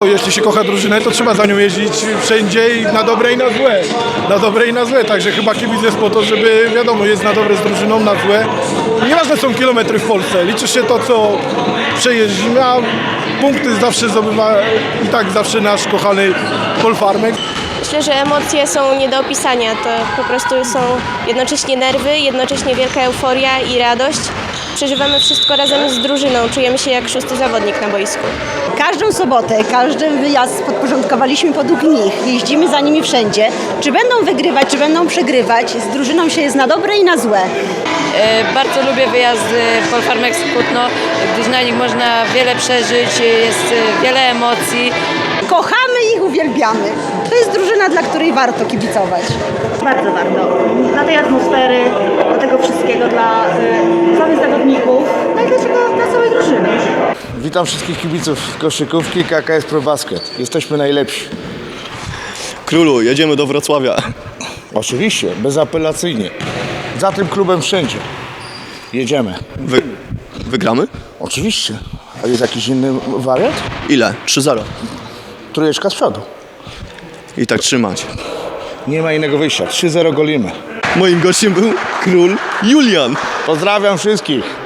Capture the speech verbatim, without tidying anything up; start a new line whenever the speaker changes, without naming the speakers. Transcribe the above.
Jeśli się kocha drużynę, to trzeba za nią jeździć wszędzie i na dobre i na złe. Na dobre i na złe, także chyba kibic jest po to, żeby, wiadomo, jest na dobre z drużyną, na złe. Nieważne są kilometry w Polsce, liczy się to, co przejeździmy, a punkty zawsze zdobywa i tak zawsze nasz kochany Polfarmek.
Myślę, że emocje są nie do opisania. To po prostu są jednocześnie nerwy, jednocześnie wielka euforia i radość. Przeżywamy wszystko razem z drużyną, czujemy się jak szósty zawodnik na boisku.
Każdą sobotę, każdy wyjazd podporządkowaliśmy podług nich. Jeździmy za nimi wszędzie. Czy będą wygrywać, czy będą przegrywać, z drużyną się jest na dobre i na złe.
E, Bardzo lubię wyjazdy Polfarmek z Kutno, gdyż na nich można wiele przeżyć, jest wiele emocji.
Kochamy ich, uwielbiamy. To jest drużyna, dla której warto kibicować.
Bardzo warto. Dla tej atmosfery, dla tego wszystkiego, dla y, samych zawodników, no i dlaczego dla całej drużyny.
Witam wszystkich kibiców koszykówki K K S Pro Basket. Jesteśmy najlepsi.
Królu, jedziemy do Wrocławia.
Oczywiście, bezapelacyjnie. Za tym klubem wszędzie. Jedziemy.
Wy, wygramy?
Oczywiście. A jest jakiś inny wariant?
Ile? trzy zero.
Trójeczka z przodu.
I tak trzymać.
Nie ma innego wyjścia. trzy zero golimy.
Moim gościem był król Julian.
Pozdrawiam wszystkich.